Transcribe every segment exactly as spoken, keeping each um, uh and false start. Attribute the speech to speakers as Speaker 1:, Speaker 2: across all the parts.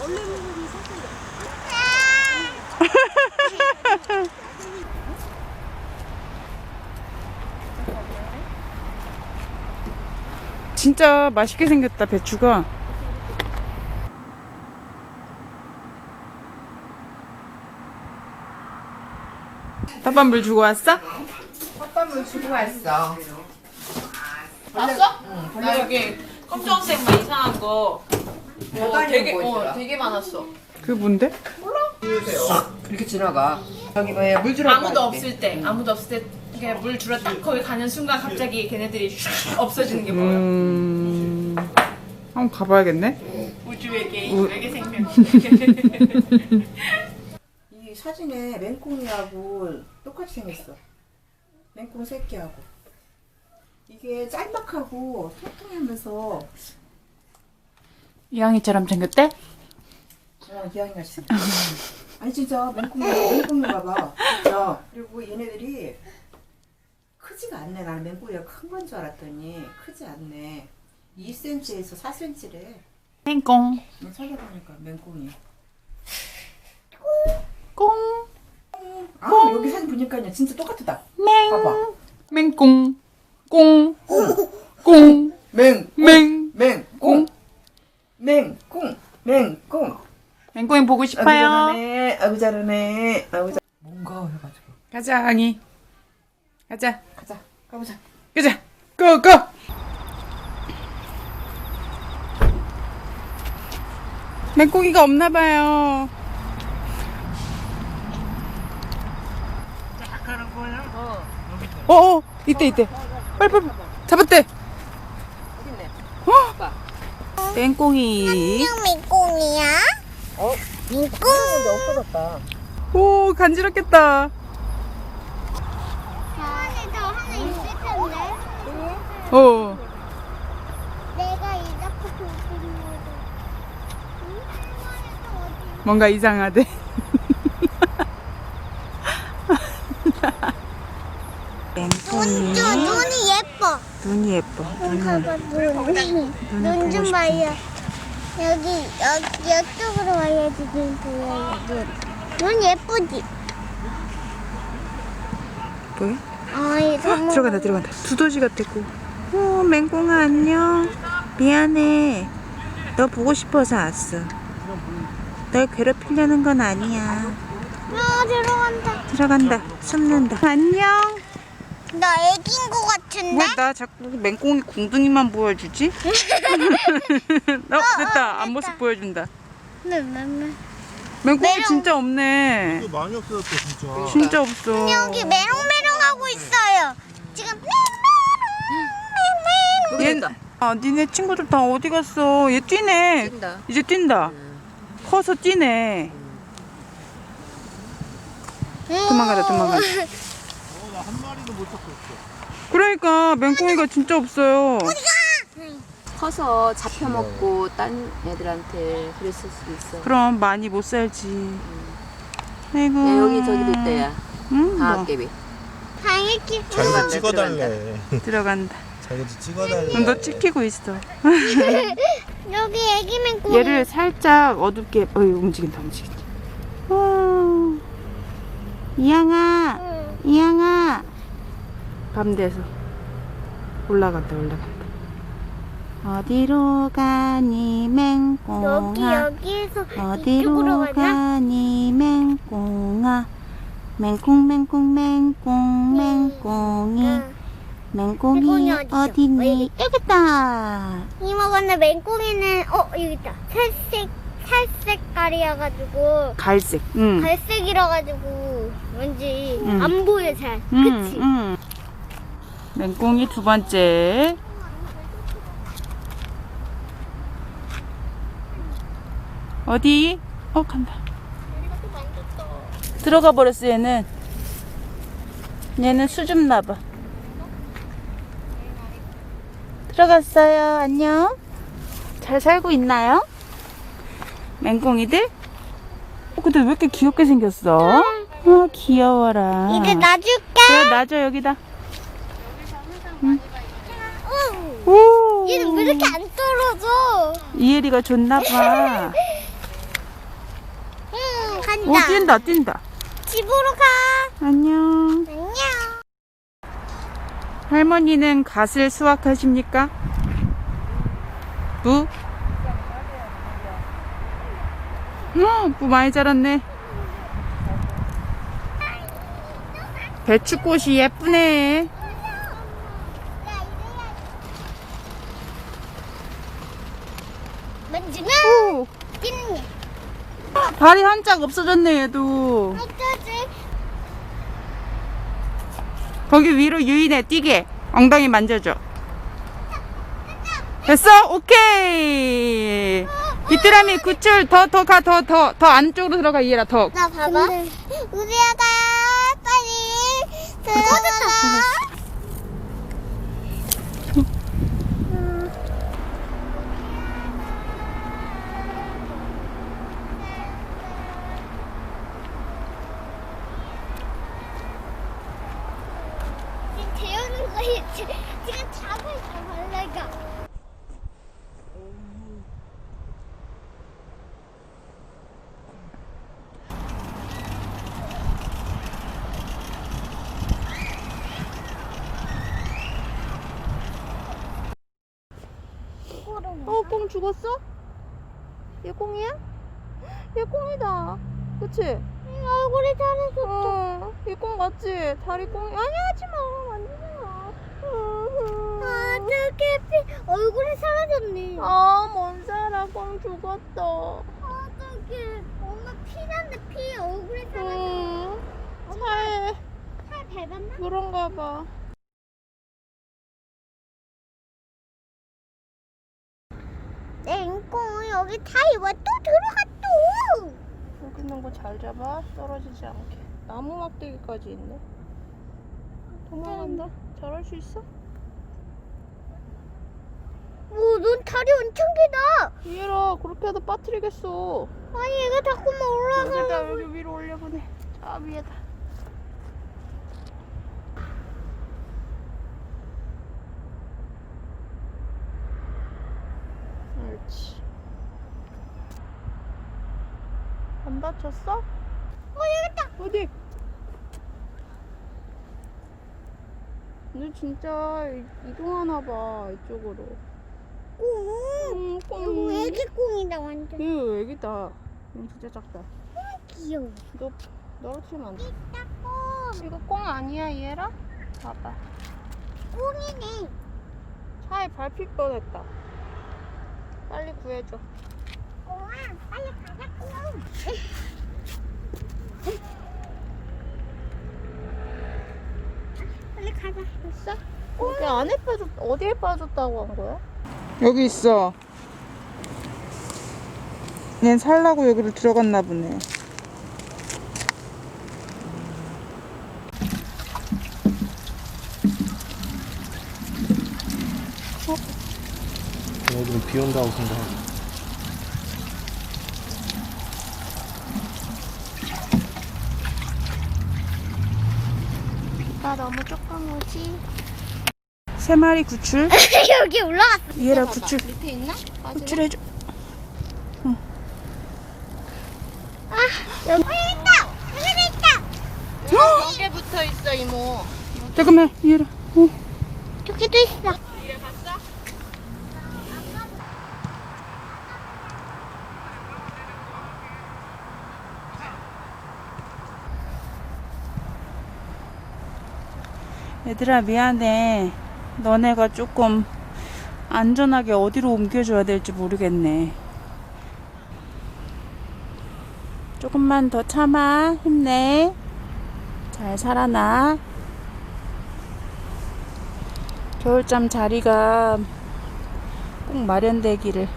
Speaker 1: 진짜 맛있게 생겼다, 배추가. 팥밥물 주고 왔어?
Speaker 2: 팥밥물 주고 왔어.
Speaker 3: 봤어? 응. 나 여기 검정색 막 이상한 거. 어, 되게 어, 되게 많았어.
Speaker 1: 그게 뭔데?
Speaker 2: 이렇게 지나가. 저기 뭐야 물 주러
Speaker 3: 아무도 없을 때, 아무도 없을 때 그냥 물 주러 딱 거기 가는 순간 갑자기 걔네들이 슉 없어지는 게 보여.
Speaker 1: 음... 한번 가봐야겠네.
Speaker 3: 우주에게
Speaker 1: 우-
Speaker 3: 외계 생명.
Speaker 2: 이 사진에 맹꽁이하고 똑같이 생겼어. 맹꽁 새끼하고. 이게 짤막하고 통통하면서
Speaker 1: 이왕이처럼 생겼대?
Speaker 2: 어, 기왕이가 있어. 아니 진짜 맹꽁이 맹꽁인가 봐. 야, 그리고 얘네들이 크지가 않네. 나는 맹꽁이가 큰 건 줄 알았더니 크지 않네. 이 센티미터에서 사 센티미터래.
Speaker 1: 맹꽁.
Speaker 2: 찾아보니까 맹꽁이.
Speaker 1: 꽁.
Speaker 2: 아 여기 사진 보니까 진짜 똑같다.
Speaker 1: 맹.
Speaker 2: 봐봐.
Speaker 1: 맹꽁. 꽁. 꽁.
Speaker 2: 맹.
Speaker 1: 맹.
Speaker 2: 맹꽁. 맹꽁. 맹꽁.
Speaker 1: 맹꽁이 보고
Speaker 2: 아이고
Speaker 1: 싶어요.
Speaker 2: 잘하네. 아이고 잘하네. 아이고 잘. 뭔가 해가지고.
Speaker 1: 가자, 앙이. 가자.
Speaker 2: 가자. 가보자.
Speaker 1: 가자. 고, 고! 맹꽁이가 없나봐요. 어, 어, 이때, 이때. 빨리, 빨리. 잡았대. 어? 맹꽁이.
Speaker 4: 안녕 민꽁이야?
Speaker 2: 어?
Speaker 4: 민꽁
Speaker 2: 근데 없어졌다.
Speaker 1: 오, 간지럽겠다.
Speaker 4: 안에도 하나 있을 텐데
Speaker 1: 어.
Speaker 4: 내가 이렇게 돌리는 거도 응? 안에도 어디
Speaker 1: 뭔가 이상하대.
Speaker 4: 눈, 좀 눈이 예뻐
Speaker 1: 눈이 예뻐.
Speaker 4: 봐봐 눈눈 좀 봐요 여기 여기 이쪽으로 와야지 눈 보여요 눈. 눈 예쁘지?
Speaker 1: 뭐야?
Speaker 4: 아이 선물
Speaker 1: 들어간다, 들어간다. 두더지 같았고. 어, 맹꽁아, 안녕. 미안해. 너 보고 싶어서 왔어. 널 괴롭히려는 건 아니야.
Speaker 4: 아 들어간다
Speaker 1: 들어간다. 숨는다. 안녕.
Speaker 4: 나 애기인 거 같은데?
Speaker 1: 왜 나 자꾸 맹꽁이 궁둥이만 보여주지? 어, 됐다. 앞모습 보여준다.
Speaker 4: 네, 네, 네.
Speaker 1: 맹꽁이
Speaker 4: 메롱.
Speaker 1: 진짜 없네.
Speaker 5: 이거 많이 없어졌다 진짜.
Speaker 1: 진짜 없어.
Speaker 4: 여기 메롱메롱 하고 있어요. 지금 메롱메롱
Speaker 1: 얘, 아, 니네 친구들 다 어디 갔어? 얘 뛰네.
Speaker 2: 뛴다.
Speaker 1: 이제 뛴다. 커서 뛰네. 도망가라, 도망가라.
Speaker 5: 어, 나 한 마리도 못 잡고 있어.
Speaker 1: 그러니까 맹꽁이가 진짜 없어요.
Speaker 6: 커서 잡혀먹고 딴 애들한테 그랬을 수도 있어.
Speaker 1: 그럼 많이 못 살지. 아이고.
Speaker 6: 야, 여기 저기도 있다, 야.
Speaker 1: 응, 뭐.
Speaker 6: 방앗개비.
Speaker 4: 당연히
Speaker 5: 자기도 찍어달래.
Speaker 1: 들어간다.
Speaker 5: 자기도 찍어달래.
Speaker 1: 그럼 너 찍히고 있어.
Speaker 4: 여기 애기 맹꽁.
Speaker 1: 얘를 살짝 어둡게. 어이, 움직인다, 움직인다. 어. 이양아,
Speaker 4: 응.
Speaker 1: 이양아. 밤 돼서 올라간다, 올라간다. 어디로 가니
Speaker 4: 여기
Speaker 1: 맹꽁아?
Speaker 4: 여기에서 이쪽으로
Speaker 1: 어디로
Speaker 4: 가나?
Speaker 1: 가니 맹꽁아? 맹꽁 맹꽁 맹꽁 맹꽁이
Speaker 4: 응.
Speaker 1: 맹꽁이
Speaker 4: 맹꽁이 어디죠?
Speaker 1: 어디니? 여기 있다.
Speaker 4: 이모 근데 맹꽁이는 어 여기 있다. 살색 살색깔이어가지고
Speaker 1: 갈색. 응.
Speaker 4: 갈색이라 가지고 왠지
Speaker 1: 응.
Speaker 4: 안 보여 잘.
Speaker 1: 응,
Speaker 4: 그치?
Speaker 1: 응. 맹꽁이 두 번째. 어디? 어, 간다. 들어가 버렸어, 얘는. 얘는 수줍 나봐. 들어갔어요. 안녕. 잘 살고 있나요? 맹꽁이들? 어, 근데 왜 이렇게 귀엽게 생겼어? 아, 귀여워라.
Speaker 4: 이제 놔줄게.
Speaker 1: 그래, 놔줘, 여기다.
Speaker 4: 응.
Speaker 1: 오.
Speaker 4: 얘는 왜 이렇게 안 떨어져?
Speaker 1: 이혜리가 줬나봐. 오, 뛴다, 뛴다.
Speaker 4: 집으로 가.
Speaker 1: 안녕.
Speaker 4: 안녕.
Speaker 1: 할머니는 갓을 수확하십니까? 무? 어, 무 많이 자랐네. 배추꽃이 예쁘네.
Speaker 4: 만지면
Speaker 1: 오,
Speaker 4: 뛰는
Speaker 1: 발이 한 짝 없어졌네, 얘도.
Speaker 4: 어쩌지?
Speaker 1: 거기 위로 유인해, 뛰게. 엉덩이 만져줘. 됐어? 오케이. 비트라미 구출. 더, 더 가, 더, 더, 더 안쪽으로 들어가, 이해라, 더.
Speaker 4: 나 봐봐. 우리 아가 빨리 들어가. 재우는 거야. 지금 잡을 잡을래가.
Speaker 6: 어, 꽁 죽었어? 얘 꽁이야? 얘 꽁이다. 그치?
Speaker 4: 얼굴이 잘해서.
Speaker 6: 어, 얘 꽁 맞지? 다리 꽁이. 아니, 하지 마. 만지지 마.
Speaker 4: 어떻게 피 얼굴이 사라졌네.
Speaker 6: 아, 뭔 살아. 꽁 죽었다.
Speaker 4: 어떻게 엄마 피난데 피 얼굴이 사라졌어.
Speaker 6: 응. 차에
Speaker 4: 살 밟았나?
Speaker 6: 그런가 봐.
Speaker 4: 냉콩 여기 타이와 또 들어갔어.
Speaker 6: 여기 있는 거 잘 잡아. 떨어지지 않게. 나무 막대기까지 있네. 도망간다. 잘할 수 있어?
Speaker 4: 오, 넌 다리 엄청 길다.
Speaker 6: 이해라. 그렇게 하다 빠뜨리겠어.
Speaker 4: 아니 얘가 자꾸만 올라가.
Speaker 6: 여기다 여기 위로 올려보내. 저 위에다. 옳지. 안 다쳤어?
Speaker 4: 어 여기 있다.
Speaker 6: 어디? 너 진짜 이- 이동하나 봐 이쪽으로.
Speaker 4: 꽁.
Speaker 6: 음,
Speaker 4: 이거
Speaker 6: 꽁.
Speaker 4: 애기 꽁이다 완전.
Speaker 6: 이거 애기다. 이거 진짜 작다.
Speaker 4: 귀여워.
Speaker 6: 너 떨어뜨리면 안 돼.
Speaker 4: 이따 꽁.
Speaker 6: 이거 꽁 아니야 얘라? 봐봐.
Speaker 4: 꽁이네.
Speaker 6: 차에 밟힐 뻔했다. 빨리 구해줘.
Speaker 4: 꽁아 빨리 가자 꽁. 빨리 가자.
Speaker 6: 됐어? 여기 안에 빠졌 어디에 빠졌다고 한 거야?
Speaker 1: 여기 있어. 얜 살라고 여기로 들어갔나 보네.
Speaker 5: 얘들은 비 온다고 생각하고.
Speaker 4: 비가 너무 조금 오지.
Speaker 1: 세 마리 구출.
Speaker 4: 여기 올라갔어.
Speaker 1: 이해라 구출.
Speaker 6: 밑에 있나?
Speaker 1: 구출해줘.
Speaker 4: 아 여기 있다. 여기 있다.
Speaker 6: 여기에 붙어 있어 이모.
Speaker 1: 잠깐만 이해라. 어.
Speaker 4: 저기도 있어.
Speaker 1: 얘들아 미안해. 너네가 조금 안전하게 어디로 옮겨줘야 될지 모르겠네. 조금만 더 참아. 힘내. 잘 살아나. 겨울잠 자리가 꼭 마련되기를.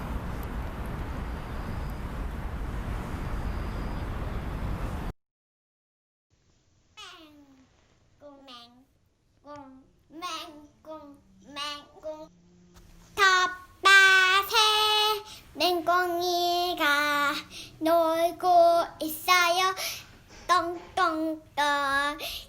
Speaker 4: 맹꽁맹꽁맹꽁 텃밭에 맹꽁이가 놀고 있어요. 똥똥똥